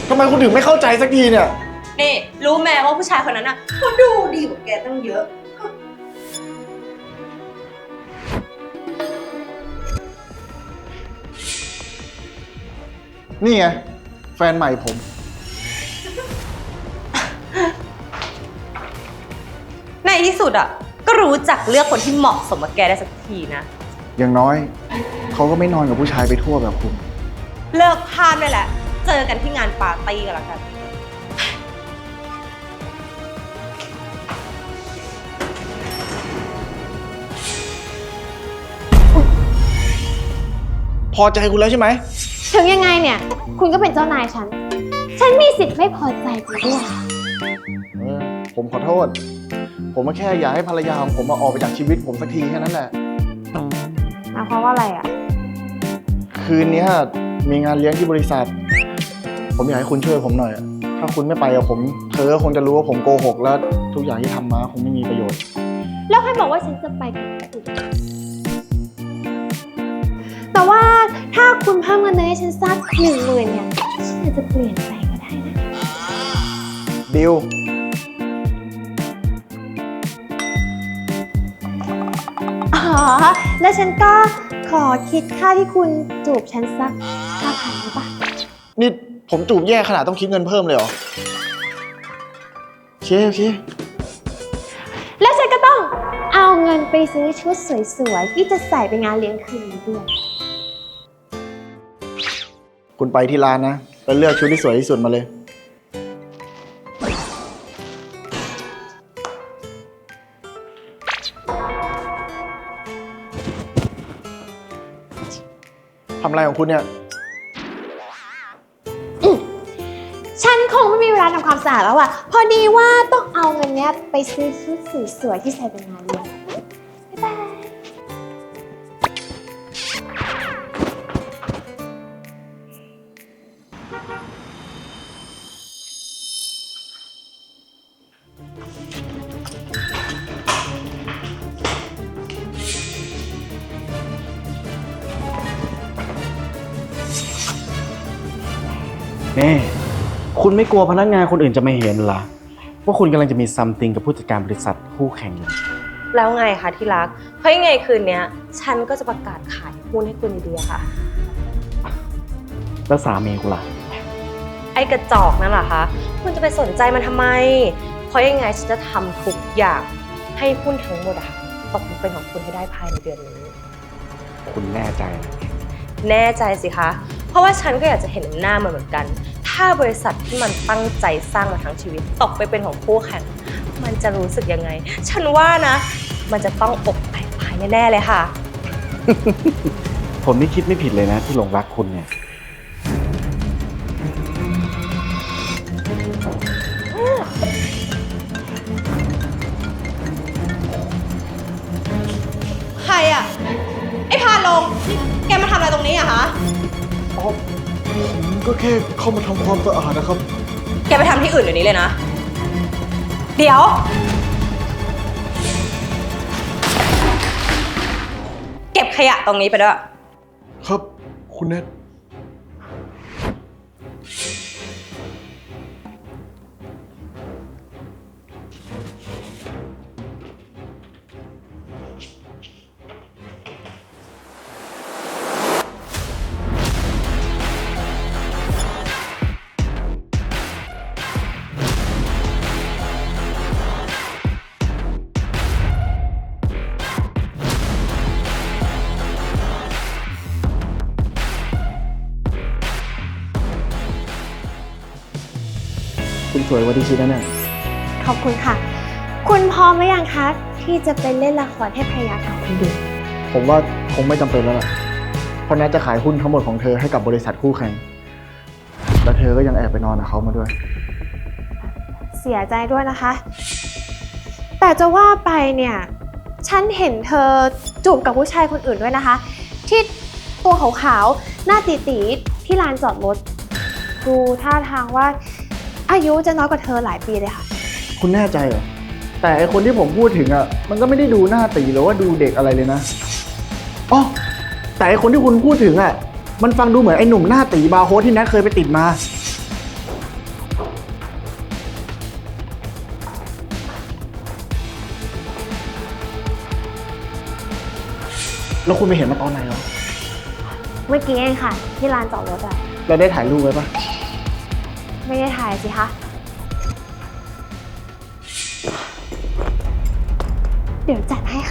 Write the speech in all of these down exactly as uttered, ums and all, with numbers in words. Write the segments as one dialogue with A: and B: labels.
A: ทำไมคุณถึงไม่เข้าใจสักทีเนี่ย
B: นี่รู้แม่ว่าผู้ชายคนนั้นอ่ะเขาดูดีกว่าแกตั้งเยอะ
A: นี่ไงแฟนใหม่ผม
B: ในที่สุดอ่ะก็รู้จักเลือกคนที่เหมาะสมกับแกได้สักทีนะ
A: อย่างน้อยเขาก็ไม่นอนกับผู้ชายไปทั่วแบบคุณ
B: เลิกพามได้แหละเจอกันที่งานปาร์ตี้กันแล้วกัน
A: พอใจคุณแล้วใช่ไหม
C: ถึงยังไงเนี่ยคุณก็เป็นเจ้านายฉันฉันมีสิทธิ์ไม่พอใจคุณด้วย
A: เออผมขอโทษผมก็แค่อยากให้ภรรยาของผมมาออกไปจากชีวิตผมสักทีแค่นั้นแหละ
C: หมายความว่าอะไรอ่ะ
A: คืนนี้มีงานเลี้ยงที่บริษัทผมอยากให้คุณช่วยผมหน่อยถ้าคุณไม่ไปกับผมเธอคงจะรู้ว่าผมโกหกแล้วทุกอย่างที่ทำมาคงไม่มีประโยชน์
C: แล้วใครบอกว่าฉันจะไปกับคุณแต่ว่าถ้าคุณเพิ่มเงินเดือนให้ฉันสักหนึ่งหมื่นเนี่ยฉันอาจจะเปลี่ยนใจก็ได้นะ
A: ดิว
C: อ๋อแล้วฉันก็ขอคิดค่าที่คุณจูบฉันสักห้าพันได้ปะ
A: นี่ผมจูบแย่ขนาดต้องคิดเงินเพิ่มเลยเหรอโอเคโอเค
C: แล้วฉันก็ต้องเอาเงินไปซื้อชุดสวยๆที่จะใส่ไปงานเลี้ยงคืนนี้ด้วย
A: คุณไปที่ร้านนะแล้วเลือกชุดที่สวยที่สุดมาเลยทำอะไรของคุณเนี่ย
C: ฉันคงไม่มีเวลาทำความสะอาดแล้วอ่ะพอดีว่าต้องเอาเงินเนี้ยไปซื้อชุดสวยๆที่ใส่ไปงานเลี้ยงบ๊ายบาย
D: นี่คุณไม่กลัวพนักงานคนอื่นจะไม่เห็นเหรอว่าคุณกำลังจะมีซัมติงกับผู้จัดการบริษัทคู่แข่งอยู่
B: แล้วไงคะที่รักเพราะยังไงคืนนี้ฉันก็จะประกาศขายหุ้นให้คุณดีๆค่ะ
D: แล้วสามีคุณล่ะ
B: ไอ้กระจอกนั่นเหรอคะคุณจะไปสนใจมันทำไมเพราะยังไงฉันจะทำทุกอย่างให้หุ้นทั้งหมดอะตกเป็นของคุณให้ได้ภายในเดือนนี้
D: คุณแน่ใจ
B: แน่ใจสิคะเพราะว่าฉันก็อยากจะเห็นหน้ามันเหมือนกันถ้าบริษัทที่มันตั้งใจสร้างมาทั้งชีวิตตกไปเป็นของคู่แข่งมันจะรู้สึกยังไงฉันว่านะมันจะต้องอกแตกภายแน่ๆเลยค่ะ
D: ผมนี่คิดไม่ผิดเลยนะที่หลงรักคุณเนี่ย
B: ใครอ่ะไอ้พาลงแกมาทำอะไรตรงนี้อะคะ
A: อ๋อผมก็แค่เข้ามาทำความสะอาดนะครับ
B: แกไปทำที่อื่นเดี๋ยวนี้เลยนะเดี๋ยวเก็บขยะตรงนี้ไปด้วย
A: ครับคุณเนทคุณสวยกว่าที่คิดนะเนี่ย
C: ขอบคุณค่ะคุณพร้อมหรือยังคะที่จะไปเล่นละครให้ภรรยาเก่าคุณดู
A: ผมว่าคงไม่จำเป็นแล้วล่ะเพราะนัทจะขายหุ้นทั้งหมดของเธอให้กับบริษัทคู่แข่งและเธอก็ยังแอบไปนอนกับเขามาด้วย
C: เสียใจด้วยนะคะแต่จะว่าไปเนี่ยฉันเห็นเธอจูบกับผู้ชายคนอื่นด้วยนะคะที่ตัวขาวๆหน้าตีๆที่ลานจอดรถดูท่าทางว่าอายุจะน้อยกว่าเธอหลายปีเลยค่ะ
A: คุณแน่ใจเหรอแต่ไอคนที่ผมพูดถึงอ่ะมันก็ไม่ได้ดูหน้าตีหรือว่าดูเด็กอะไรเลยนะอ๋อแต่ไอคนที่คุณพูดถึงอ่ะมันฟังดูเหมือนไอหนุ่มหน้าตีบาร์โฮสที่แนทเคยไปติดมาแล้วคุณไปเห็นมาตอนไหนเหรอ
C: เมื่อกี้เองค่ะ ที่ลานจอดรถอะ
A: แล้วได้ถ่ายรูปไว้ปะ
C: ไม่ได้ถ่ายสิคะ เดี๋ยวจัดให้ค่ะ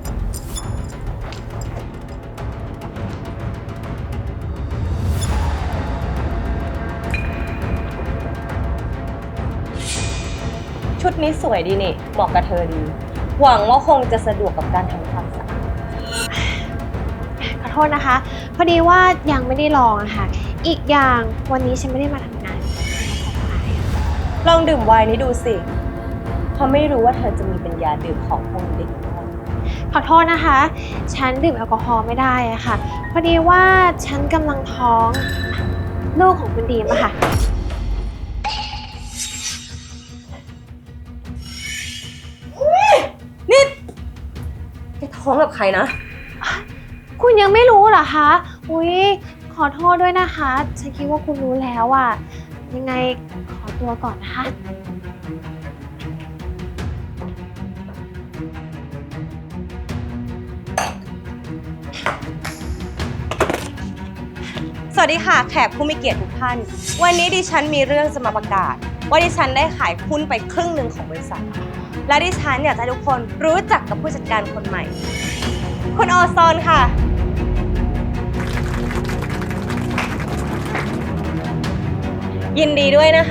B: ชุดนี้สวยดีนี่ เหมาะกับเธอดี หวังว่าคงจะสะดวกกับการทำความสะอาด
C: ขอโทษนะคะ พอดีว่ายังไม่ได้ลองอะค่ะ อีกอย่างวันนี้ฉันไม่ได้มาทำงาน
B: ลองดื่มไวน์นี้ดูสิ เพราะไม่รู้ว่าเธอจะมีปัญญาดื่มของพวกนี้ได้หรือเปล่า
C: ขอโทษนะคะ ฉันดื่มแอลกอฮอล์ไม่ได้อะค่ะ พอดีว่าฉันกำลังท้องลูกของคุณดีมอะค่ะ
B: นี่แกท้องกับใครนะ
C: คุณยังไม่รู้เหรอคะ อุ๊ย ขอโทษด้วยนะคะ ฉันคิดว่าคุณรู้แล้วอะยังไงขอตัวก่อนนะคะ
B: สวัสดีค่ะแขกผู้มีเกียรติทุกท่าน วันนี้ดิฉันมีเรื่องจะมาประกาศ ว่าดิฉันได้ขายหุ้นไปครึ่งหนึ่งของบริษัท และดิฉันอยากจะให้ทุกคนรู้จักกับผู้จัดการคนใหม่ คุณออซอนค่ะ ยินดีด้วยนะคะ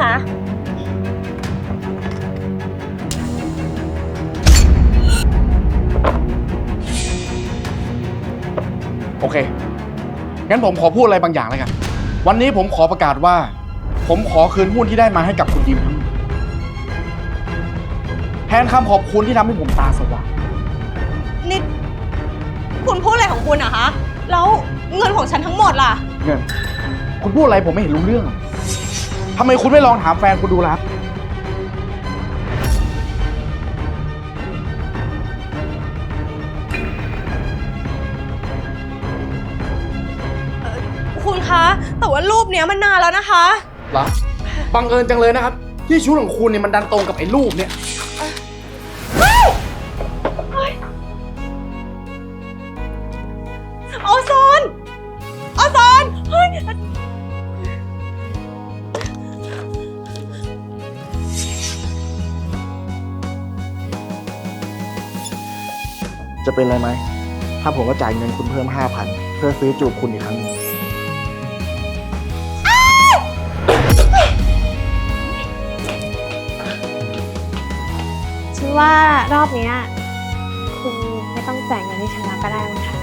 D: โอเค งั้นผมขอพูดอะไรบางอย่างแล้วกัน วันนี้ผมขอประกาศว่า ผมขอคืนหุ้นที่ได้มาให้กับคุณยิมทั้งหมดแทนคำขอบคุณที่ทำให้ผมตาสว่าง
B: นี่คุณพูดอะไรของคุณอะคะ แล้วเงินของฉันทั้งหมดล่ะ
D: เงิน คุณพูดอะไรผมไม่เห็นรู้เรื่องอะทำไมคุณไม่ลองถามแฟนคุณดูล่ะ
B: คุณคะ แต่ว่ารูปเนี้ยมันนานแล้วนะคะ
D: เหรอ บังเอิญจังเลยนะครับ ที่ชุดของคุณเนี่ยมันดันตรงกับไอ้รูปเนี่ย
B: ออซอนออซอนเฮ้ย
A: จะเป็นอะไรไหม ถ้าผมก็จ่ายเงินคุณเพิ่มห้าพันเพื่อซื้อจูบคุณอีกครั้งหนึง
C: ฉันว่ารอบเนี้ยคุณไม่ต้องจ่ายเงินให้ฉันแล้วก็ได้มั้งคะ